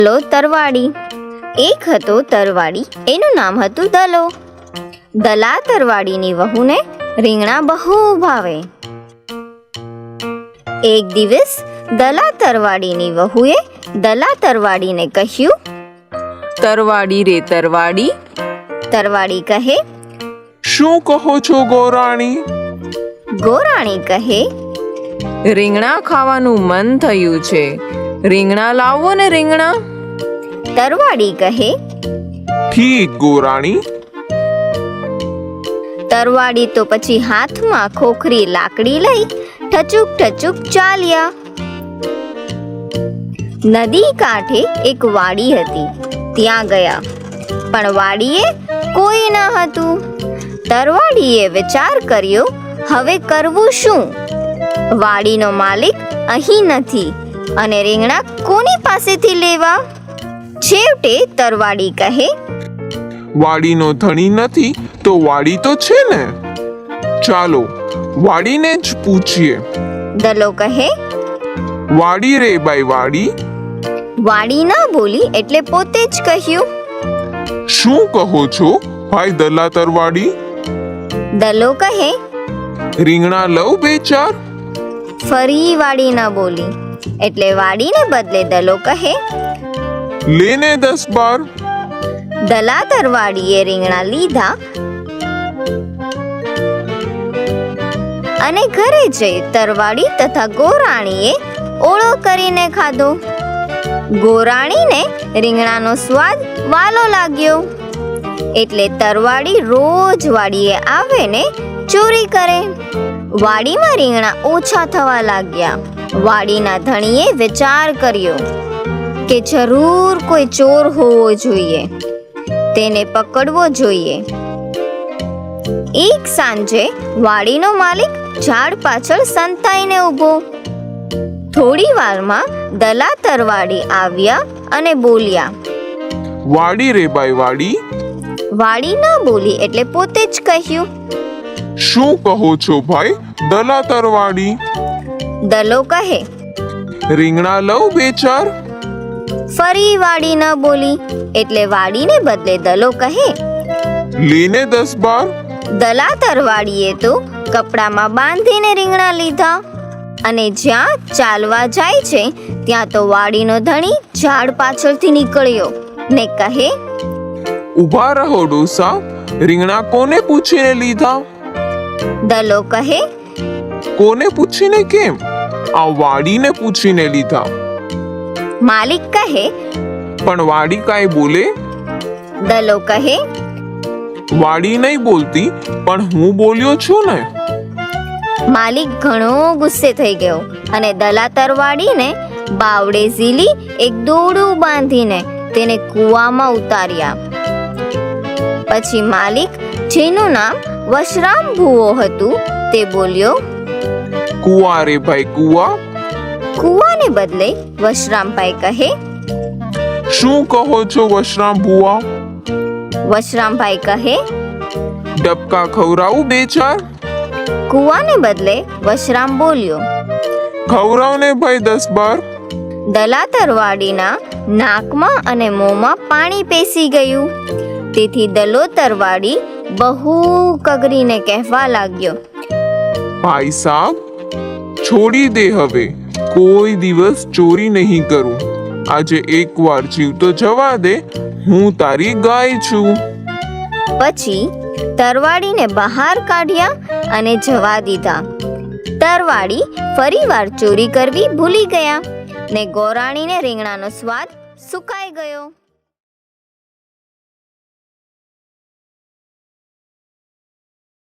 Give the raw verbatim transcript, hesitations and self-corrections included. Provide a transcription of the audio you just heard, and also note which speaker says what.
Speaker 1: દલો તરવાડી. એક હતો તરવાડી, એનું નામ હતું દલો. દલા તરવાડીની વહુને રીંગણા બહુ ભાવે. એક દિવસ દલા તરવાડીની વહુએ દલા તરવાડીને કહ્યું,
Speaker 2: તરવાડી રે તરવાડી.
Speaker 1: તરવાડી કહે,
Speaker 3: શું કહો છો ગોરાણી?
Speaker 1: ગોરાણી કહે,
Speaker 2: રીંગણા ખાવાનું મન થયું છે, રીંગણા લાવો ને રીંગણા.
Speaker 1: તરવાડી કહે,
Speaker 3: ઠીક ગોરાણી.
Speaker 1: તરવાડી તો પછી હાથમાં ખોખરી લાકડી લઈ ઠચુક ઠચુક ચાલ્યા. નદી કાંઠે એક વાડી હતી, ત્યાં ગયા, પણ વાડીએ કોઈ ન હતું. તરવાડીએ વિચાર કર્યો, હવે કરવું શું? વાડીનો માલિક અહીં નથી અને રીંગણા કોની પાસેથી લેવા? છેવટે તરવાડી કહે,
Speaker 3: વાડીનો ધણી નથી તો વાડી તો છે ને, ચાલો વાડીને જ પૂછીએ.
Speaker 1: દલો કહે,
Speaker 3: વાડી રે બાઈ વાડી.
Speaker 1: વાડી ના બોલી એટલે પોતે જ કહ્યું,
Speaker 3: શું કહો છો ભાઈ દલા તરવાડી?
Speaker 1: દલો કહે,
Speaker 3: રીંગણા લઉં બે ચાર.
Speaker 1: ફરી વાડી ના બોલી એટલે વાડીને બદલે દલો કહે,
Speaker 3: લેને દસ બાર.
Speaker 1: દલા તરવાડીએ રીંગણા લીધા અને ઘરે જઈ તરવાડી તથા ગોરાણીએ ઓળો કરીને ખાધો. ગોરાણીને રીંગણાનો સ્વાદ વાલો લાગ્યો એટલે તરવાડી રોજ વાડીએ આવે ને ચોરી કરે. વાડીમાં રીંગણા ઓછા થવા લાગ્યા. વાડીના ધણીએ વિચાર કર્યો કે જરૂર કોઈ ચોર હોવો જોઈએ, તેને પકડવો જોઈએ. એક સાંજે વાડીનો માલિક ઝાડ પાછળ સંતાઈને ઊભો. થોડી વારમાં દલા તરવાડી આવ્યા અને બોલ્યા,
Speaker 3: વાડી રે બાઈ વાડી.
Speaker 1: વાડી ન બોલી એટલે પોતે જ કહ્યું,
Speaker 3: શું કહો છો ભાઈ દલા તરવાડી?
Speaker 1: દલો કહે,
Speaker 3: રીંગણા લઉં બે ચાર.
Speaker 1: ફરી વાડી ન બોલી એટલે વાડીને બદલે દલો કહે,
Speaker 3: લેને દસ બાર.
Speaker 1: દલા તરવાડીએ તો કપડામાં બાંધીને રીંગણા લીધા અને જ્યાં ચાલવા જાય છે ત્યાં તો વાડીનો ધણી ઝાડ પાછળથી નીકળ્યો ને કહે,
Speaker 3: ઊભા રહો ડોસા, રીંગણા કોને પૂછીને લીધા?
Speaker 1: દલો કહે,
Speaker 3: કોને પૂછીને કેમ? આ વાડીને પૂછીને લીધા.
Speaker 1: માલિક કહે,
Speaker 3: પણ વાડી કાંઈ બોલે?
Speaker 1: દલો કહે,
Speaker 3: વાડી નહીં બોલતી પણ હું બોલ્યો છું ને.
Speaker 1: માલિક ઘણો ગુસ્સે થઈ ગયો અને દલા તરવાડીને બાવડે ઝીલી એક દોરડું બાંધીને તેને કૂવામાં ઉતાર્યા. પછી માલિક, જેનું નામ વશરામ ભૂવો હતું, તે બોલ્યો,
Speaker 3: કુવા રે ભાઈ કુવા.
Speaker 1: કૂવાને બદલે વશરામભાઈ કહે,
Speaker 3: શું કહો છો વશરામ ભુવા?
Speaker 1: વશરામભાઈ કહે,
Speaker 3: ડબકા ખવરાવું બે ચાર.
Speaker 1: કૂવાને બદલે વશરામ બોલ્યો.
Speaker 3: ખવરાવને ભાઈ દસ બાર.
Speaker 1: દલા તરવાડીના નાકમાં અને મોંમાં પાણી પેસી ગયું. તેથી દલો તરવાડી બહુ કગરીને કહેવા લાગ્યો,
Speaker 3: ભાઈ સાબ, છોડી દે હવે, કોઈ દિવસ ચોરી નહીં કરું. આજે એકવાર જીવતો જવા દે, હું તારી ગાય છું.
Speaker 1: પછી તરવાડીને બહાર કાઢ્યા અને જવા દીધા. તરવાડી ફરીવાર ચોરી કરવી ભૂલી ગયા ને ગોરાણીને રીંગણાનો સ્વાદ સુકાઈ ગયો.